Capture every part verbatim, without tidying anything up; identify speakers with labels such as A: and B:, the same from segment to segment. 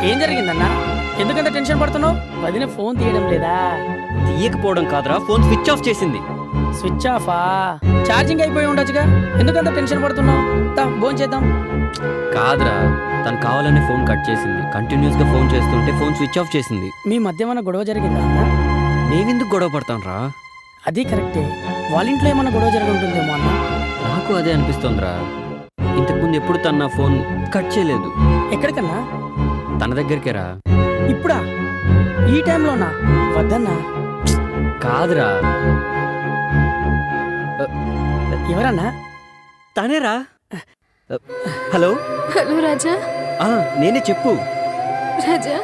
A: ఏం జరిగిందన్నా? ఎందుకంత టెన్షన్ పడుతున్నావు? వదిన ఫోన్ తీయడం లేదా?
B: తీయకపోవడం కాదురా, ఫోన్ స్విచ్ ఆఫ్ చేసింది.
A: స్విచ్ ఆఫా? ఛార్జింగ్ అయిపోయి ఉండొచ్చుగా, ఎందుకంత టెన్షన్ పడుతున్నావు? ఫోన్ చేద్దాం.
B: కాదురా, తను కావాలని ఫోన్ కట్ చేసింది. కంటిన్యూస్ గా ఫోన్ చేస్తుంటే ఫోన్ స్విచ్ ఆఫ్ చేసింది.
A: మీ మధ్య ఏమన్నా గొడవ జరిగిందా అన్న?
B: మేమెందుకు గొడవ పడతాం రా?
A: అది కరెక్టే, వాళ్ళ ఇంట్లో ఏమన్నా గొడవ జరిగి ఉంటుందేమో అన్న.
B: నాకు అదే అనిపిస్తోందిరా. ఇంతకుముందు ఎప్పుడు తన నా ఫోన్ కట్ చేయలేదు.
A: ఎక్కడికన్నా?
B: తన దగ్గరికే రా.
A: ఇప్పుడా? ఈ టైంలోనా? వద్దన్నా.
B: కాదురా.
A: ఎవరన్నా?
B: తనేరా. Hello
C: hello Raja.
B: ఆ, నేనే, చెప్పు.
C: రాజా,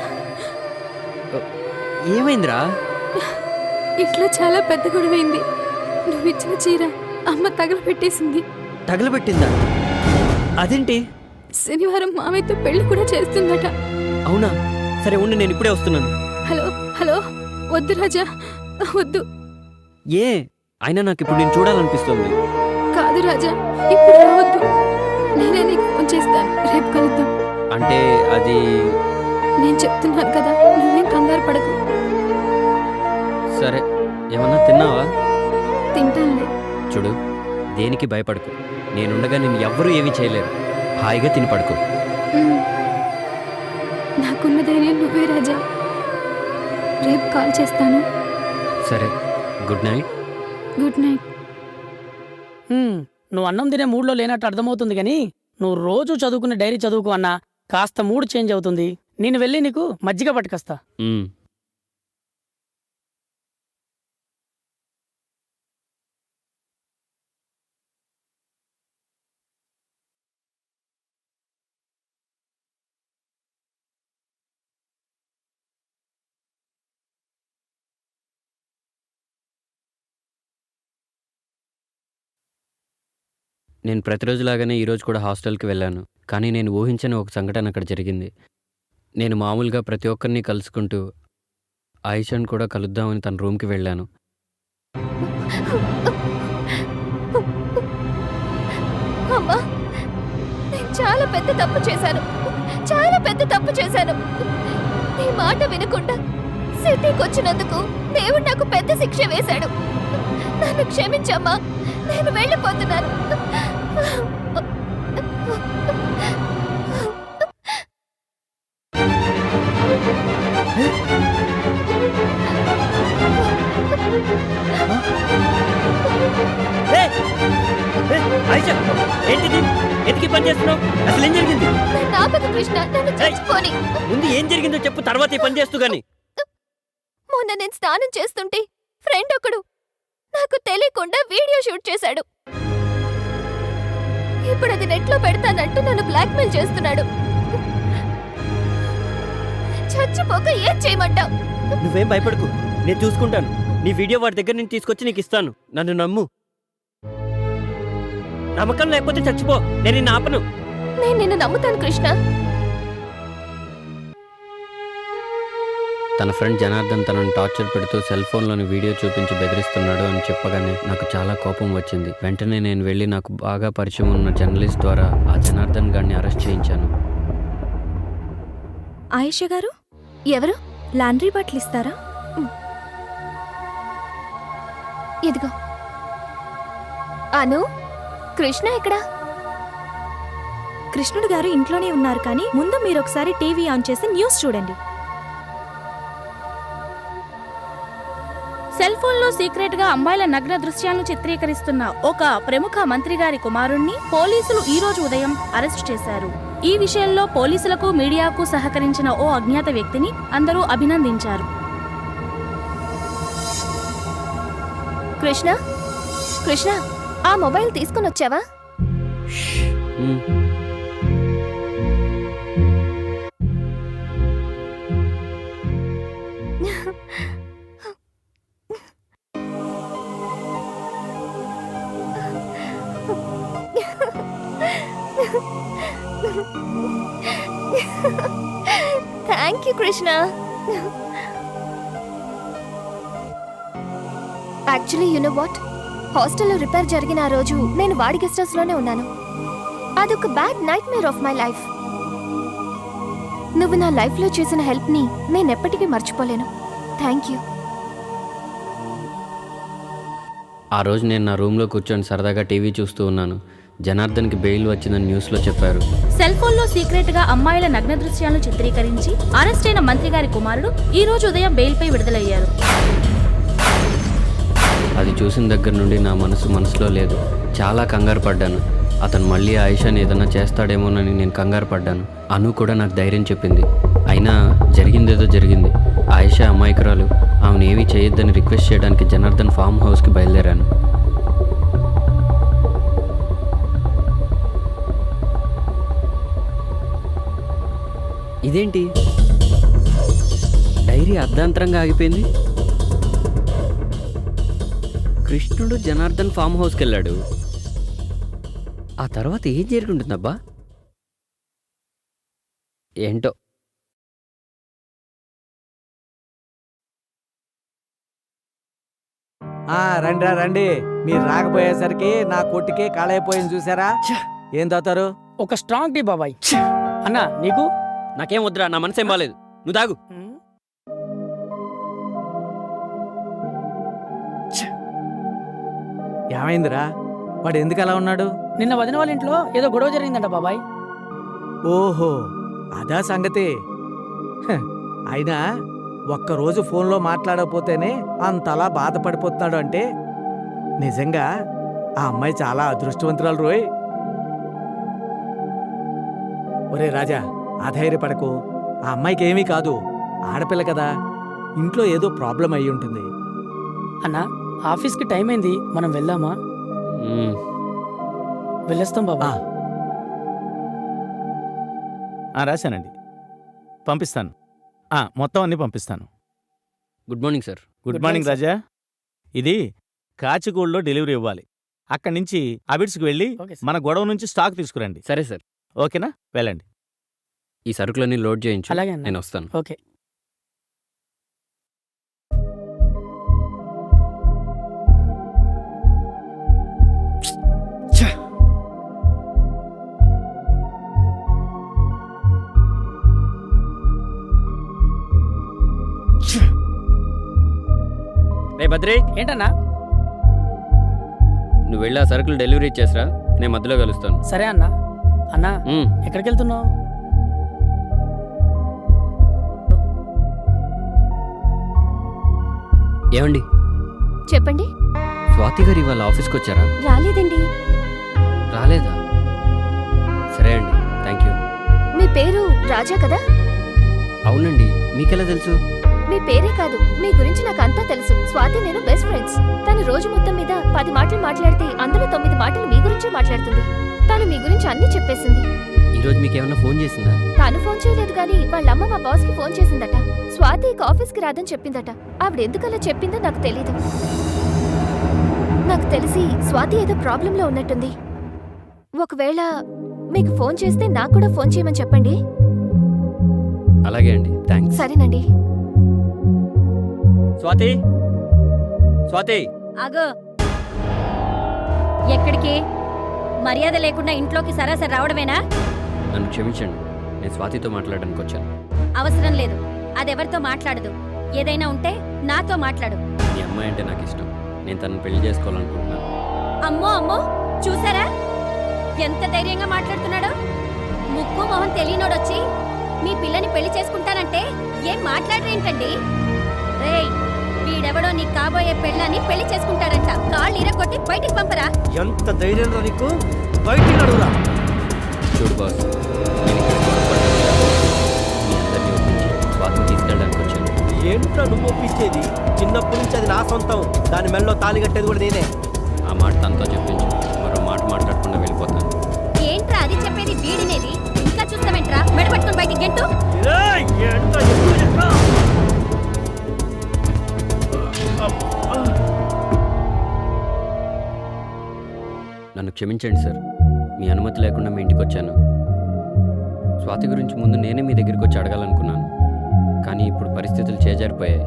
B: ఏమైందిరా?
C: ఇంట్లో చాలా పెద్ద గొడవైంది. నువ్వు ఇచ్చిన చీర అమ్మ తగలబెట్టేసింది.
B: తగలబెట్టిందా? అదేంటి?
C: శనివారం మామయ్యతో పెళ్లి కూడా చేస్తుందట.
B: అవునా? సరే ఉండి, నేను ఇప్పుడే వస్తున్నాను.
C: హలో హలో వద్దు రాజా, వద్దు.
B: ఏ అయినా నాకు ఇప్పుడు నేను చూడాలనిపిస్తుంది.
C: కాదు రాజా, ఇప్పుడు రావద్దు. నేనే నీకు ఫోన్ చేస్తాను, రేపు కలుద్దాం.
B: అంటే అది...
C: నేను చెప్తున్నాను కదా, నువ్వేం కంగారు పడకు.
B: సరే, ఏమన్నా తిన్నావా?
C: తింటానులే.
B: చూడు, దేనికి భయపడకు. నేనుండగా నిన్ను ఎవ్వరూ ఏమీ చేయలేరు. హాయిగా తిని పడుకో.
C: ఉమ్. నాకున్న ధైర్యం నువ్వే రాజా. రేపు కాల్ చేస్తాను.
B: సరే, గుడ్ నైట్.
C: Good night.
A: హ్మ్, నువ్వు అన్నం తినే మూడ్లో లేనట్టు అర్థమవుతుంది కానీ నువ్వు రోజు చదువుకునే డైరీ చదువుకు అన్నా కాస్త మూడ్ చేంజ్ అవుతుంది. నేను వెళ్ళి నీకు మజ్జిగ పట్టుకొస్తా.
B: ఉమ్. నేను ప్రతిరోజులాగానే ఈరోజు కూడా హాస్టల్కి వెళ్ళాను. కానీ నేను ఊహించని ఒక సంఘటన అక్కడ జరిగింది. నేను మామూలుగా ప్రతి ఒక్కరిని కలుసుకుంటూ ఆయిషాని కూడా కలుద్దామని తన రూమ్కి వెళ్ళాను.
C: అమ్మా, నేను చాలా పెద్ద తప్పు చేశాను. చాలా పెద్ద తప్పు చేశాను. నీ మాట వినకుండా సిటీకి వచ్చినందుకు దేవుడు నాకు పెద్ద శిక్ష వేశాడు. నన్ను క్షమించమ్మా, నేను వెళ్ళిపోతున్నాను.
B: ఏంటిది? ఎందుకు పని చేస్తున్నావు? అసలు ఏం జరిగింది?
C: కృష్ణ, నన్ను చచ్చిపోని.
B: ముందు ఏం జరిగిందో చెప్పు, తర్వాత ఈ పని చేస్తూ గాని.
C: మొన్న నేను స్నానం చేస్తుంటే ఫ్రెండ్ ఒకడు నాకు తెలియకుండా వీడియో షూట్ చేశాడు. ఇప్పుడు అది నెట్లో పెడతానంటూ నన్ను బ్లాక్మెయిల్ చేస్తున్నాడు. చచ్చిపోక ఏం చేయమంటావు?
B: నువ్వేం భయపడకు, నేను చూసుకుంటాను. నీ వీడియో వాడి దగ్గర నుంచి తీసుకొచ్చి నీకు ఇస్తాను. నన్ను నమ్ము. నమ్మకం లేకపోతే చచ్చిపో, నేను నిన్ను ఆపను.
C: నేను నిన్ను నమ్ముతాను కృష్ణ.
B: తన ఫ్రెండ్ జనార్దన్ తనను టార్చర్ పెడుతూ సెల్ ఫోన్లోని వీడియో చూపించి బెదిరిస్తున్నాడు అని చెప్పగానే నాకు చాలా కోపం వచ్చింది. వెంటనే నేను వెళ్ళి నాకు బాగా పరిచయం ఉన్న జర్నలిస్ట్ ద్వారా ఆ జనార్దన్ గారిని అరెస్ట్ చేయించాను.
D: ఆయిషా గారు,
C: ఎవరు?
D: లాండ్రీ బట్టలు ఇస్తారా?
C: ఇదిగో. అను, కృష్ణ ఎక్కడా?
D: కృష్ణుడు గారు ఇంట్లోనే ఉన్నారు, కానీ ముందు మీరు ఒకసారి టీవీ ఆన్ చేసి న్యూస్ చూడండి.
E: సెల్ ఫోన్లో సీక్రెట్ గా అమ్మాయిల నగ్న దృశ్యాలను చిత్రీకరిస్తున్న ఒక ప్రముఖ మంత్రి గారి కుమారుణ్ణి పోలీసులు ఈ రోజు ఉదయం అరెస్ట్ చేశారు. ఈ విషయంలో పోలీసులకు మీడియాకు సహకరించిన ఓ అజ్ఞాత వ్యక్తిని అందరూ అభినందించారు.
C: కృష్ణ, కృష్ణ, ఆ మొబైల్ తీసుకుని వచ్చావా? Thank you Krishna. Actually you know what, హాస్టల్లో రిపేర్ జరిగిన ఆ రోజు నేను వాడి గెస్ట్ హౌస్ లోనే ఉన్నాను. అదొక bad nightmare of my life. నువ్వు నా లైఫ్లో చేసిన హెల్ప్ని నేను ఎప్పటికీ మర్చిపోలేను. Thank you.
B: ఆ రోజు నేను నా రూమ్లో కూర్చొని సరదాగా టీవీ చూస్తూ ఉన్నాను. జనార్దన్కి బెయిల్ వచ్చిందని న్యూస్లో చెప్పారు.
E: సెల్ ఫోన్ లో సీక్రెట్ గా అమ్మాయిల నగ్న దృశ్యాలను చిత్రీకరించి అరెస్ట్ అయిన మంత్రి గారి కుమారుడు ఈ రోజు ఉదయం బెయిల్ పై విడుదలయ్యారు.
B: అది చూసిన దగ్గర నుండి నా మనసు మనసులో లేదు. చాలా కంగారు పడ్డాను. అతను మళ్ళీ ఆయిషాని ఏదైనా చేస్తాడేమోనని నేను కంగారు పడ్డాను. అను కూడా నాకు ధైర్యం చెప్పింది. అయినా జరిగిందేదో జరిగింది. ఆయిషా అమాయకురాలు. ఆమెను ఏమీ చేయొద్దని రిక్వెస్ట్ చేయడానికి జనార్దన్ ఫామ్ హౌస్కి బయలుదేరాను. ఇదేంటి డైరీ అర్ధాంతరంగా ఆగిపోయింది? కృష్ణుడు జనార్దన్ ఫామ్ హౌస్కి వెళ్ళాడు. ఆ తర్వాత ఏం జరుగుతుందబ్బా? ఏంటో.
F: ఆ రండిరా రండి. మీరు రాకపోయేసరికి నా కొట్టుకే కాళైపోయింది చూసారా? ఏం తాతారు?
A: ఒక స్ట్రాంగ్ టీ బాబాయ్. అన్నా నీకు?
B: నాకేం వద్దురా, నా మనసేం బాలేదు. నువ్వు తాగు.
F: ఏమైందిరా? వాడు ఎందుకు అలా ఉన్నాడు?
A: నిన్న వదిన వాళ్ళ ఇంట్లో ఏదో గొడవ జరిగిందంట బాబాయ్.
F: ఓహో, అదా సంగతి. హ, అయినా ఒక్కరోజు ఫోన్లో మాట్లాడకపోతేనే అంతలా బాధపడిపోతున్నాడు అంటే నిజంగా ఆ అమ్మాయి చాలా అదృష్టవంతురాలు రోయ్. ఒరే రాజా, అధైర్యపడకు. ఆ అమ్మాయికి ఏమీ కాదు. ఆడపిల్ల కదా, ఇంట్లో ఏదో ప్రాబ్లం అయి ఉంటుంది.
A: అన్నా ఆఫీస్కి టైం అయింది, మనం వెళ్దామా?
B: మ్మ్.
A: వెళ్ళొస్తాం బాబా.
G: ఆ, రాశానండి, పంపిస్తాను. ఆ, మొత్తం అన్నీ పంపిస్తాను.
B: Good morning sir.
G: Good
A: Good
G: morning
A: morning,
G: Raja. ఇది కాచిగూడలో డెలివరీ ఇవ్వాలి. అక్కడి నుంచి అబిడ్స్కి వెళ్ళి
A: ఓకే సార్.
G: మన గొడవ నుంచి స్టాక్ తీసుకురండి.
B: సరే సార్.
G: ఓకేనా? వెళ్ళండి.
B: ఈ సరుకులన్నీ లోడ్ చేయించు.
A: అలాగే అన్న.
B: నేను వస్తాను.
A: ఓకే.
B: రే బద్రి,
A: ఏంటన్నా?
B: నువ్వు వెళ్ళి ఆ సరుకులు డెలివరీ ఇచ్చేసరా, నేను మధ్యలో కలుస్తాను.
A: సరే అన్నా. అన్నా
B: మ్మ్.
A: ఎక్కడికి వెళ్తున్నావు?
B: ఏమండి,
C: చెప్పండి.
B: స్వాతి గారు ఇవాళ ఆఫీస్కి వచ్చారా?
C: రాలేదండి.
B: రాలేదా? సరే అండి, థ్యాంక్ యూ.
C: మీ పేరు రాజా కదా?
B: అవునండి, మీకెలా తెలుసు?
C: మీ పేరే కాదు, మీ గురించి నాకు అంతా తెలుసు. స్వాతి నేను బెస్ట్ ఫ్రెండ్స్. తను రోజు మొత్తం మీద పది మాటలు మాట్లాడితే అందులో తొమ్మిది మాటలు మీ గురించే మాట్లాడుతుంది. తను మీ గురించి అన్నీ చెప్పేసింది.
B: ఈరోజు మీకేమన్నా ఫోన్ చేసిందా?
C: తాను ఫోన్ చేయలేదు కానీ వాళ్ళమ్మ మా బాస్ కి ఫోన్ చేసిందట. స్వాతి ఇక ఆఫీస్ కి రాదని చెప్పిందట. ఆవిడ ఎందుకలా చెప్పిందో నాకు తెలీదు. నాకు తెలిసి స్వాతి ఏదో ప్రాబ్లంలో ఉన్నట్టుంది. ఒకవేళ మీకు ఫోన్ చేస్తే నాకు కూడా ఫోన్ చేయమని చెప్పండి.
B: అలాగే అండి, థ్యాంక్స్.
C: సరేనండి.
B: స్వాతి, స్వాతి.
H: ఆగో, ఎక్కడికి? మర్యాద లేకుండా ఇంట్లోకి సరాసరి రావడమేనా?
B: నన్ను క్షమించండి, నేను స్వాతితో మాట్లాడడానికి వచ్చాను.
H: అవసరం లేదు, అదెవరితో మాట్లాడదు. ఏదైనా ఉంటే నాతో మాట్లాడు.
B: మీ అమ్మాయి అంటే నాకు ఇష్టం. నేను తనను పెళ్లి చేసుకోవాలనుకుంటున్నాను.
H: అమ్మో అమ్మో, చూసారా ఎంత ధైర్యంగా మాట్లాడుతున్నాడో? ముక్కు మొహం తెలియనోడొచ్చి మీ పిల్లని పెళ్లి చేసుకుంటానంటే ఏం మాట్లాడరేంటండి? రేయ్, వీడెవడో నీ కాబోయే పెళ్ళాన్ని పెళ్లి చేసుకుంటాడంట. కాళ్ళు ఇరగొట్టి బయటికి పంపరా.
F: ఎంత ధైర్యం రా నీకు? బయటికి నడువురా.
B: చూడు బాస్, నేను ఇక్కడ పొరపాటు చేశాను. మీ అందరినీ ఒప్పించి స్వాతిని తీసుకెళ్ళడానికి వచ్చాను.
I: ఏంటో నువ్వు ఒప్పించేది? చిన్నప్పటి నుంచి అది నా సొంతం. దాని మెల్లో తాళి కట్టేది కూడా నేనే.
B: ఆ మాట తనతో చెప్పించు, మరో మాట మాట్లాడకుండా వెళ్ళిపోతాను.
H: ఏంట్రా అది చెప్పేది? వీడినేది ఇంకా చూస్తావేంట్రా? మెడపట్టుకొని బయటికి గెంటు.
B: నన్ను క్షమించండి సార్, మీ అనుమతి లేకుండా మీ ఇంటికి వచ్చాను. స్వాతి గురించి ముందు నేనే మీ దగ్గరికి వచ్చి అడగాలనుకున్నాను, కానీ ఇప్పుడు పరిస్థితులు చేజారిపోయాయి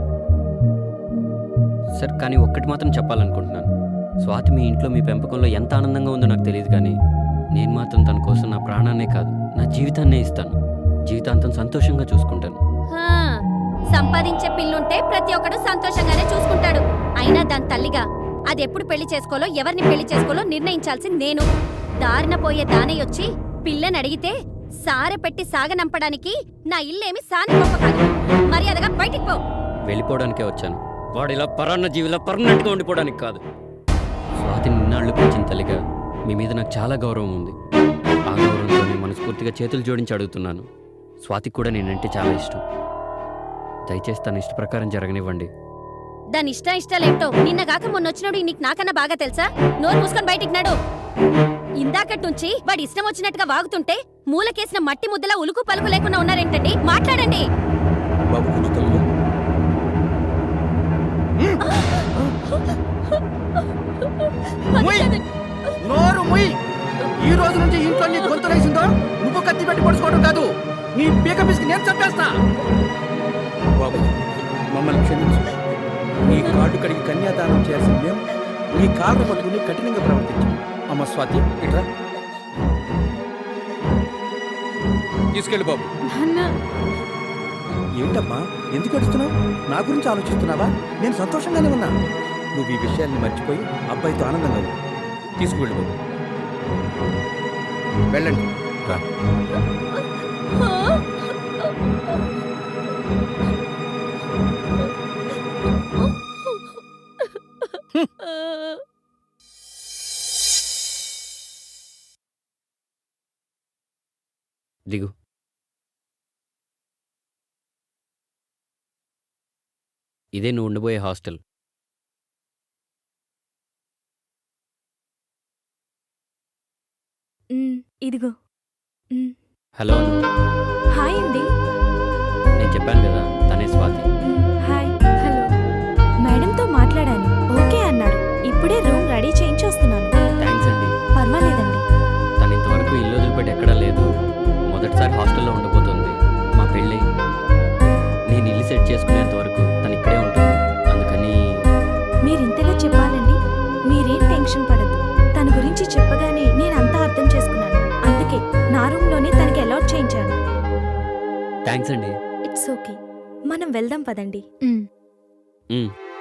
B: సార్. కానీ ఒక్కటి మాత్రం చెప్పాలనుకుంటున్నాను. స్వాతి మీ ఇంట్లో మీ పెంపకంలో ఎంత ఆనందంగా ఉందో నాకు తెలియదు, కానీ నేను మాత్రం తన కోసం నా ప్రాణాన్నే కాదు, నా జీవితాన్నే ఇస్తాను. జీవితాంతం సంతోషంగా చూసుకుంటాను.
H: హా, సంపాదించే పిల్లుంటే ప్రతి ఒక్కడు సంతోషంగానే చూసుకుంటాడు. అయినా దాని తల్లిగా అది ఎప్పుడు పెళ్లి చేసుకోలో ఎవరిని పెళ్లి చేసుకోలో నిర్ణయించాల్సింది నేను. దారిన పోయే దానయ్యొచ్చి పిల్లని అడిగితే సారె పెట్టి సాగనంపడానికి నా ఇల్లేమి సాని గొప్ప కాదు. మర్యాదగా బయటికి పో.
B: వెళ్ళిపోవడానికే వచ్చాను. వాడు ఇలా పరాన్న జీవిలా పర్మనెంట్గా ఉండిపోవడానికి కాదు. స్వాతిని నిన్నాళ్ళు పెంచిన తల్లిగా మీ మీద నాకు చాలా గౌరవం ఉంది. ఆ గౌరవంతో నేను మనస్ఫూర్తిగా చేతులు జోడించి అడుగుతున్నాను. స్వాతికి కూడా నేనంటే చాలా ఇష్టం. దయచేసి తన ఇష్ట ప్రకారం జరగనివ్వండి.
H: దాని ఇష్ట ఇష్టాలేంటో నిన్నగాక మొన్న వచ్చినాడు నీకు నాకన్నా బాగా తెలుసా? నోరు మూసుకొని బయటికి నాడు. ఇందాకటి నుంచి వాడి ఇష్టం వచ్చినట్టుగా వాగుతుంటే మూలకేసిన మట్టి ముద్దలా ఉలుకు పలుకు లేకుండా ఉన్నారేంటండి? మాట్లాడండి.
F: బాబు కొంచెం తగ్గు. నోరు ముయ్. ఈ రోజు నుంచి ఇంట్లో నీ గొంతు లేసిందో నువ్వు కత్తి పెట్టి పడుచుకోవడం కాదు, నీ పీక పిసికి నేను చంపేస్తా. బాబు మమ్మల్ని క్షమించు. నీ కాళ్ళు కడిగి కన్యాదానం చేయాల్సిన మేము నీ కాళ్ళు పట్టుకుని కఠినంగా ప్రవర్తించు. అమ్మ స్వాతి ఇట్రా, తీసుకెళ్ళి బాబు. ఏంటమ్మా ఎందుకు అడుస్తున్నావు? నా గురించి ఆలోచిస్తున్నావా? నేను సంతోషంగానే ఉన్నా. నువ్వు ఈ విషయాన్ని మర్చిపోయి అబ్బాయితో ఆనందంగా ఉంది. తీసుకువెళ్ళు బాబు. వెళ్ళండి రా.
B: దిగు. ఇదే నువ్వు ఉండిపోయే హాస్టల్.
D: మ్, ఇదిగో. మ్,
B: హలో అను.
D: హాయ్ అండి.
B: నేను చెప్పాను కదా తనే స్వాతి.
D: మ్, హాయ్. హలో. మేడంతో మాట్లాడాను, ఓకే అన్నారు. ఇప్పుడే రూమ్ రెడీ చేయించి వస్తున్నాను.
B: థ్యాంక్స్ అండి.
D: పర్వాలేదండి.
B: తను ఇంతవరకు ఇల్లు వదిలిపెట్టి ఎక్కడా లేదు. మొదటిసారి హాస్టల్లో ఉండిపోతుంది. మా పెళ్ళి నేను ఇల్లు సెట్ చేసుకునేంత వరకు తను ఇక్కడే ఉంటుంది. అందుకని
D: మీరింతగా చెప్పాలండి. మీరేం టెన్షన్ పడద్దు. తన గురించి చెప్పగానే నేను అంతా అర్థం చేసుకున్నాను. అందుకే నా రూమ్లోనే తనకి అలాట్ చేయించాను.
B: థ్యాంక్స్ అండి.
D: It's okay. మనం వెళ్దాం పదండి.
B: మ్.